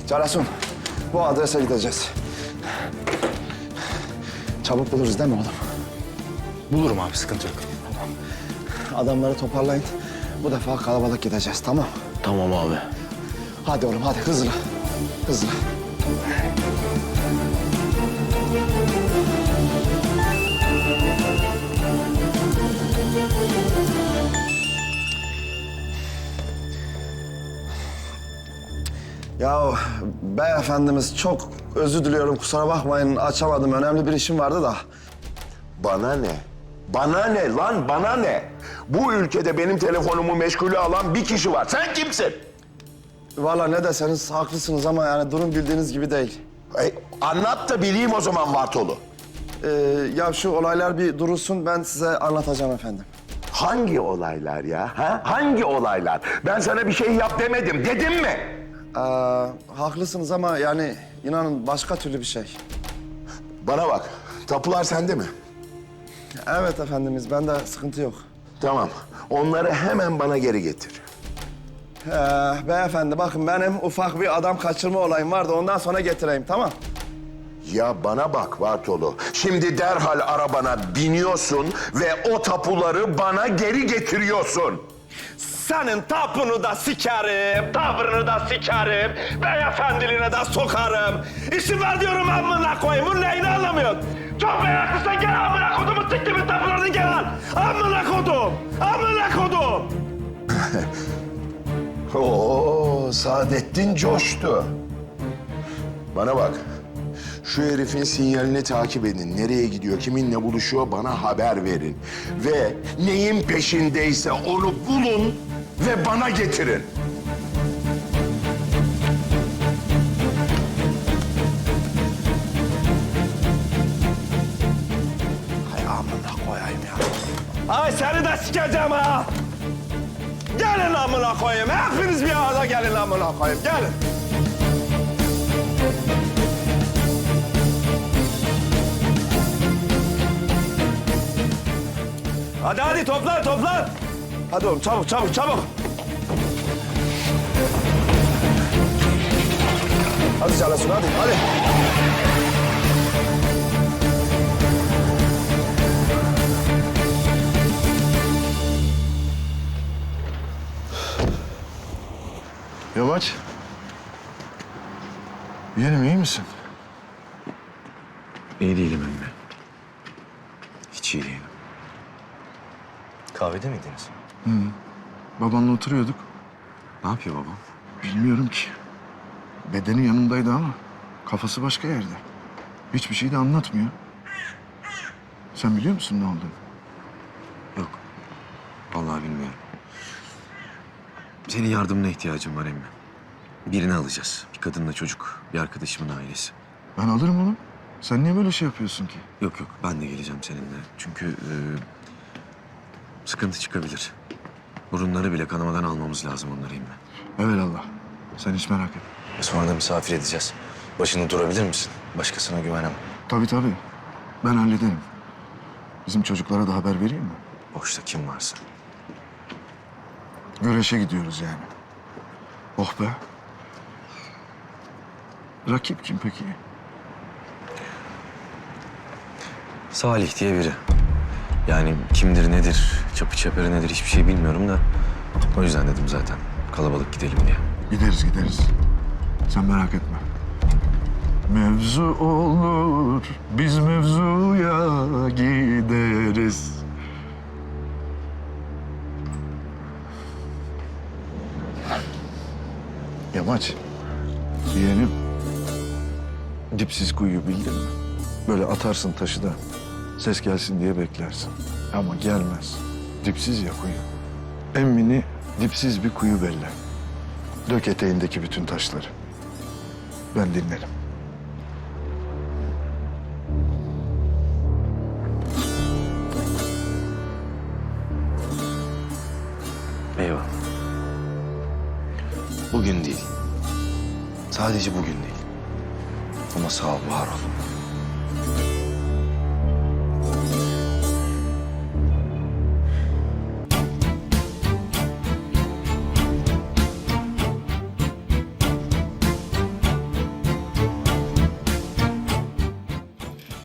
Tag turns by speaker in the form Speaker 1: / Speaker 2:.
Speaker 1: Carasun, bu adrese gideceğiz. Çabuk buluruz değil mi oğlum?
Speaker 2: Bulurum abi, sıkıntı yok.
Speaker 1: Adamları toparlayın. Bu defa kalabalık gideceğiz, tamam?
Speaker 2: Tamam abi.
Speaker 1: Hadi oğlum, hadi hızlı. Hızlı. Ya beyefendimiz çok özür diliyorum, kusura bakmayın. Açamadım, önemli bir işim vardı da.
Speaker 3: Bana ne? Bana ne lan, bana ne? Bu ülkede benim telefonumu meşgule alan bir kişi var. Sen kimsin?
Speaker 1: Vallahi ne deseniz haklısınız ama yani durum bildiğiniz gibi değil.
Speaker 3: Anlat da bileyim o zaman Vartolu.
Speaker 1: Ya şu olaylar bir durulsun, ben size anlatacağım efendim.
Speaker 3: Hangi olaylar ya? Ha? Hangi olaylar? Ben sana bir şey yap demedim. Dedim mi?
Speaker 1: Haklısınız ama yani inanın başka türlü bir şey.
Speaker 3: Bana bak. Tapular sende mi?
Speaker 1: Evet efendimiz, bende sıkıntı yok.
Speaker 3: Tamam. Onları hemen bana geri getir.
Speaker 1: Beyefendi bakın, benim ufak bir adam kaçırma olayım vardı, ondan sonra getireyim, tamam?
Speaker 3: Ya bana bak Vartolu. Şimdi derhal arabana biniyorsun ve o tapuları bana geri getiriyorsun.
Speaker 4: Senin tapunu da sikerim, tavrını da sikerim, beyefendiliğine de sokarım. İşim var diyorum amına koyayım, bunun neyini anlamıyorsun? Çok meraklısın, gel amına kodumu siktimin tapularını gel al. Amına kodum, amına kodum.
Speaker 3: Oo, Saadettin coştu. Bana bak. Şu herifin sinyalini takip edin. Nereye gidiyor, kiminle buluşuyor bana haber verin. Ve neyin peşindeyse onu bulun ve bana getirin.
Speaker 1: Hay amına koyayım ya.
Speaker 4: Ay seni de sikeceğim ha. Gelin amına koyayım, hepiniz bir arada gelin amına koyayım, gelin. Hadi hadi toplan. Hadi oğlum çabuk.
Speaker 1: Hadi Calasun, hadi.
Speaker 5: Yamaç. Yeğenim iyi misin?
Speaker 2: İyi değilim emmi. Hiç iyi değilim. Kahvede miydiniz?
Speaker 5: Babanla oturuyorduk.
Speaker 2: Ne yapıyor babam?
Speaker 5: Bilmiyorum ki. Bedeni yanındaydı ama kafası başka yerde. Hiçbir şey de anlatmıyor. Sen biliyor musun ne olduğunu?
Speaker 2: Yok. Vallahi bilmiyorum. Senin yardımına ihtiyacım var emmi. Birini alacağız. Bir kadınla çocuk, bir arkadaşımın ailesi.
Speaker 5: Ben alırım oğlum. Sen niye böyle şey yapıyorsun ki?
Speaker 2: Yok, ben de geleceğim seninle. Çünkü sıkıntı çıkabilir. Burunları bile kanamadan almamız lazım onları emmi.
Speaker 5: Evelallah. Sen hiç merak etme.
Speaker 2: Sonra da misafir edeceğiz. Başında durabilir misin? Başkasına güvenemem.
Speaker 5: Tabii. Ben hallederim. Bizim çocuklara da haber vereyim mi?
Speaker 2: Boşta kim varsa.
Speaker 5: Güreşe gidiyoruz yani. Oh be. Rakip kim peki?
Speaker 2: Salih diye biri. Yani kimdir, nedir, çapı çeperi nedir hiçbir şey bilmiyorum da... O yüzden dedim zaten kalabalık gidelim diye.
Speaker 5: Gideriz. Sen merak etme. Mevzu olur, biz mevzuya gideriz. Yamaç, yeğenim. Dipsiz kuyu bildin mi? Böyle atarsın taşı da ses gelsin diye beklersin. Ama gelmez. Dipsiz ya kuyu. Emmini dipsiz bir kuyu belli. Dök eteğindeki bütün taşları. Ben dinlerim.
Speaker 2: Eyvallah. Bugün değil. Sadece bugün değil. Ama sağ ol, var ol.